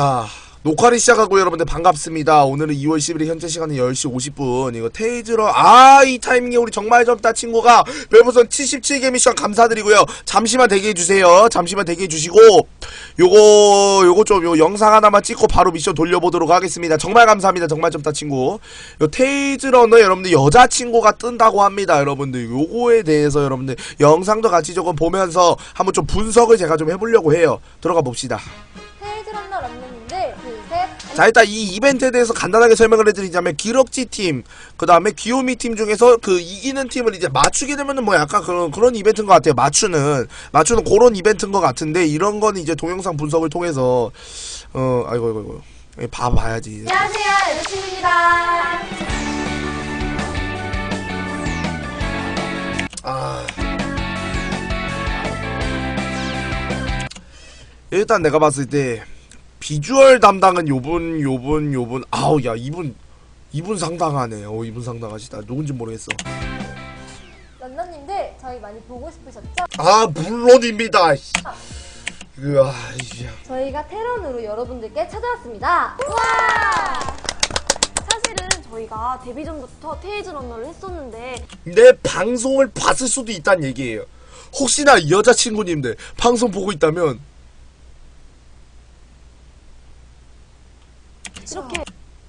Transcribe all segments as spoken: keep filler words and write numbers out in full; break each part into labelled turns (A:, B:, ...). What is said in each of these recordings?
A: 자, 녹화를 시작하고 여러분들 반갑습니다. 오늘은 이월 십일일 현재 시간은 열 시 오십 분. 이거 테이즈러, 아, 이 타이밍에 우리 정말 젊다 친구가 별풍선 칠십칠 개 미션 감사드리고요. 잠시만 대기해주세요. 잠시만 대기해주시고, 요거, 요거 좀, 요 영상 하나만 찍고 바로 미션 돌려보도록 하겠습니다. 정말 감사합니다. 정말 젊다 친구. 요 테이즈러너 여러분들 여자친구가 뜬다고 합니다. 여러분들, 요거에 대해서 여러분들 영상도 같이 조금 보면서 한번 좀 분석을 제가 좀 해보려고 해요. 들어가 봅시다.
B: 테이즈런너 런너님들 둘셋.
A: 자, 일단 이 이벤트에 대해서 간단하게 설명을 해드리자면 기럭지 팀, 그 다음에 귀요미 팀 중에서 그 이기는 팀을 이제 맞추게 되면은 뭐 약간 그런 그런 이벤트인 것 같아요. 맞추는 맞추는 그런 이벤트인 것 같은데, 이런 거는 이제 동영상 분석을 통해서 어 아이고 아이고 아이고 봐봐야지.
B: 안녕하세요, 여자친구입니다.
A: 아, 일단 내가 봤을 때 비주얼 담당은 요분 요분 요분 아우, 야, 이분 이분 상당하네. 어, 이분 상당하시다. 누군지 모르겠어.
B: 런너님들 저희 많이 보고 싶으셨죠?
A: 아, 물론입니다. 으아, 이야.
B: 저희가 테런으로 여러분들께 찾아왔습니다. 우와!
C: 사실은 저희가 데뷔 전부터 테이즈런너를 했었는데
A: 내 방송을 봤을 수도 있다는 얘기예요. 혹시나 여자친구님들 방송 보고 있다면
C: 이렇게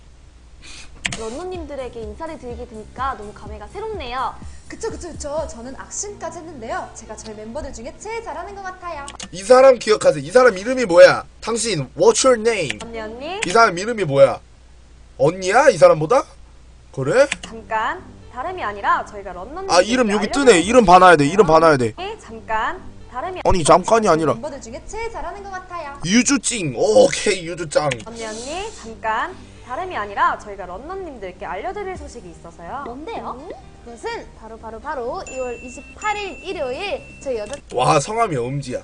C: 런너님들에게 인사를 드리게 되니까 너무 감회가 새롭네요.
D: 그쵸 그쵸 그쵸. 저는 악신까지 했는데요. 제가 저희 멤버들 중에 제일 잘하는 것 같아요.
A: 이 사람 기억하세요. 이 사람 이름이 뭐야? 당신 What's your name?
C: 언니 언니
A: 이 사람 이름이 뭐야? 언니야? 이 사람보다? 그래?
C: 잠깐, 다름이 아니라 저희가 런너님들께
A: 아, 이름 여기 뜨네. 이름 봐놔야 돼. 이름 봐놔야 돼.
C: 잠깐, 다름이
A: 아니, 잠깐이 아니라
D: 멤버들 중에 제일 잘하는 것 같아요.
A: 유주찡. 오케이, 유주짱.
C: 언니 언니 잠깐, 다름이 아니라 저희가 런너님들께 알려드릴 소식이 있어서요.
B: 뭔데요? 그것은 바로 바로 바로 이월 이십팔일 일요일 저희
A: 와, 성함이 엄지야.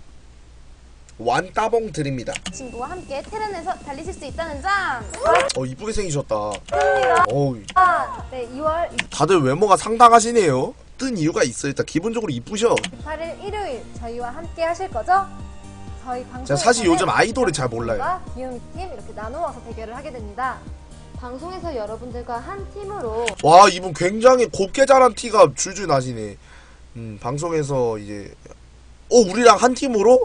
A: 완따봉 드립니다.
B: 여자친구와 함께 테런에서 달리실 수 있다는 점.
A: 어, 이쁘게 생기셨다.
B: 뜹니다.
A: 어우,
B: 아, 네, 이월
A: 다들 외모가 상당하시네요. 뜬 이유가 있어. 일단 기본적으로 이쁘셔.
B: 이십팔일 일요일 저희와 함께 하실 거죠? 저희 방송
A: 제가 사실 요즘 아이돌을 잘 몰라요.
B: 귀요미 팀 이렇게 나누어서 대결을 하게 됩니다. 방송에서 여러분들과 한 팀으로
A: 와, 이분 굉장히 곱게 자란 티가 줄줄 나시네. 음, 방송에서 이제 어, 우리랑 한 팀으로?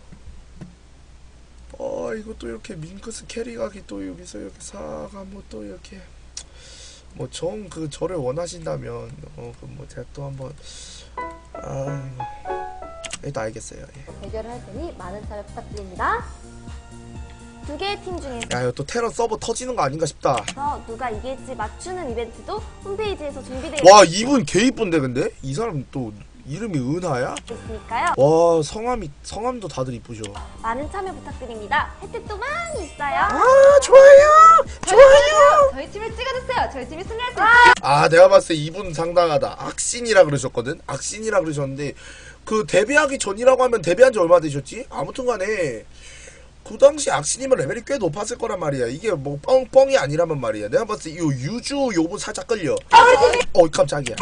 A: 어, 이것도 이렇게 밍크스 캐리각이 또 여기서 이렇게 사가뭐 또 이렇게 뭐 정 그 저를 원하신다면 어, 그 뭐 제가 또 한번 아, 일단 알겠어요. 예.
B: 대결을 할 테니 많은 참여 부탁드립니다.
C: 두 개의 팀 중에서
A: 야, 이거 또 테러 서버 터지는 거 아닌가 싶다.
C: 누가 이길지 맞추는 이벤트도 홈페이지에서 준비되어
A: 와, 이분 개 이쁜데. 근데 이 사람 또 이름이 은하야?
C: 있으니까요.
A: 와, 성함이 성함도 다들 이쁘죠.
C: 많은 참여 부탁드립니다. 혜택도 많이 있어요.
A: 아, 좋아요, 좋아요.
D: 저희 팀을 찍어주세요. 저희 팀이 승리할 수 있어요.
A: 아, 내가 봤을 때 이분 상당하다. 악신이라 그러셨거든. 악신이라 그러셨는데 그 데뷔하기 전이라고 하면 데뷔한 지 얼마 되셨지? 아무튼간에 그 당시 악신이면 레벨이 꽤 높았을 거란 말이야. 이게 뭐 뻥, 뻥이 아니라면 말이야. 내가 봤을 때 이 유주 요분 살짝 끌려. 어, 깜짝이야.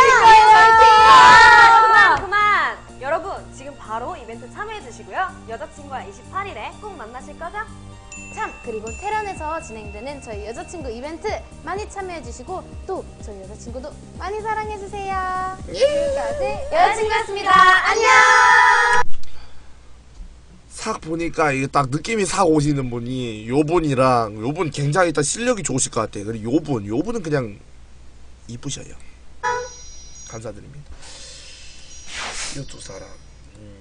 C: 그만 그만. 여러분 지금 바로 이벤트 참여해 주시고요. 여자친구와 이십팔일에 꼭 만나실 거죠?
B: 참, 그리고 테런에서 진행되는 저희 여자친구 이벤트 많이 참여해주시고 또 저희 여자친구도 많이 사랑해주세요. 지금까지 여자친구였습니다. 안녕!
A: 싹 보니까 이게 딱 느낌이 싹 오시는 분이 요분이랑 요분 굉장히 일단 실력이 좋으실 것 같아. 그리고 요분 요분은 그냥 이쁘셔요. 감사드립니다. 이 두 사람. 음.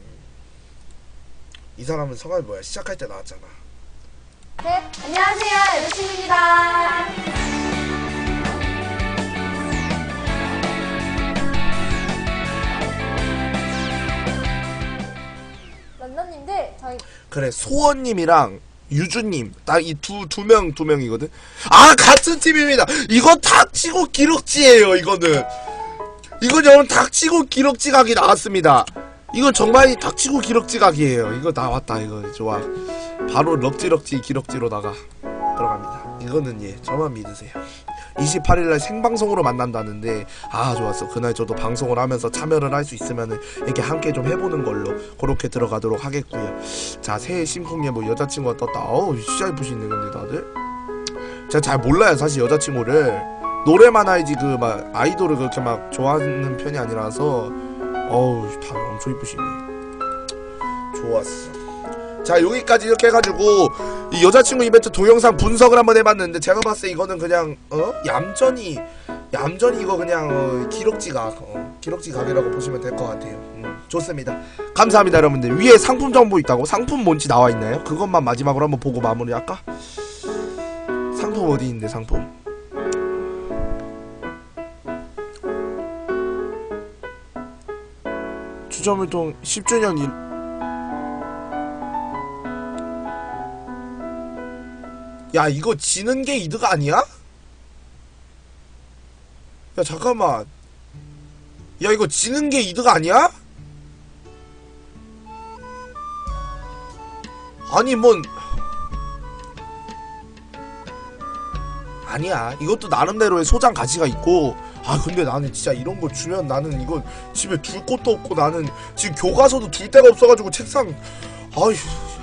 A: 이 사람은 성함이 뭐야? 시작할 때 나왔잖아.
B: 셋, 안녕하세요, 여자친구입니다. 런너님들 저희
A: 그래, 소원님이랑 유주님 딱 이 두 두 명 두 명이거든. 아, 같은 팀입니다. 이건 닥치고 기럭지예요. 이거는 이건 여러분 닥치고 기럭지 각이 나왔습니다. 이건 정말 닥치고 기럭지 각이에요. 이거 나왔다. 이거 좋아. 바로 럭지럭지 기럭지로 나가 들어갑니다. 이거는 예, 저만 믿으세요. 이십팔일날 생방송으로 만난다는데 아 좋았어. 그날 저도 방송을 하면서 참여를 할 수 있으면은 이렇게 함께 좀 해보는 걸로 그렇게 들어가도록 하겠고요. 자 새해 심쿵에 뭐 여자친구가 떴다. 어우 진짜 이쁘시네 근데 다들. 제가 잘 몰라요 사실 여자친구를. 노래만 알지 그 막 아이돌을 그렇게 막 좋아하는 편이 아니라서 어우 다 엄청 이쁘시네. 좋았어. 자 여기까지 이렇게 해가지고 이 여자친구 이벤트 동영상 분석을 한번 해봤는데 제가 봤을 때 이거는 그냥 어? 얌전히 얌전히 이거 그냥 어, 기럭지각 어, 기럭지각이라고 보시면 될 것 같아요. 음, 좋습니다. 감사합니다 여러분들. 위에 상품 정보 있다고? 상품 뭔지 나와있나요? 그것만 마지막으로 한번 보고 마무리할까? 상품 어디 있는데 상품 주점을통 십 주년 일 야 이거 지는 게 이득 아니야? 야 잠깐만 야 이거 지는 게 이득 아니야? 아니 뭔 아니야 이것도 나름대로의 소장 가치가 있고 아 근데 나는 진짜 이런 거 주면 나는 이거 집에 둘 곳도 없고 나는 지금 교과서도 둘 데가 없어가지고 책상 아휴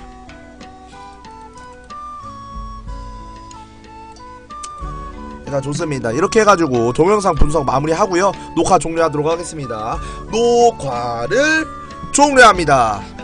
A: 자 좋습니다. 이렇게 해가지고 동영상 분석 마무리하고요 녹화 종료하도록 하겠습니다. 녹화를 종료합니다.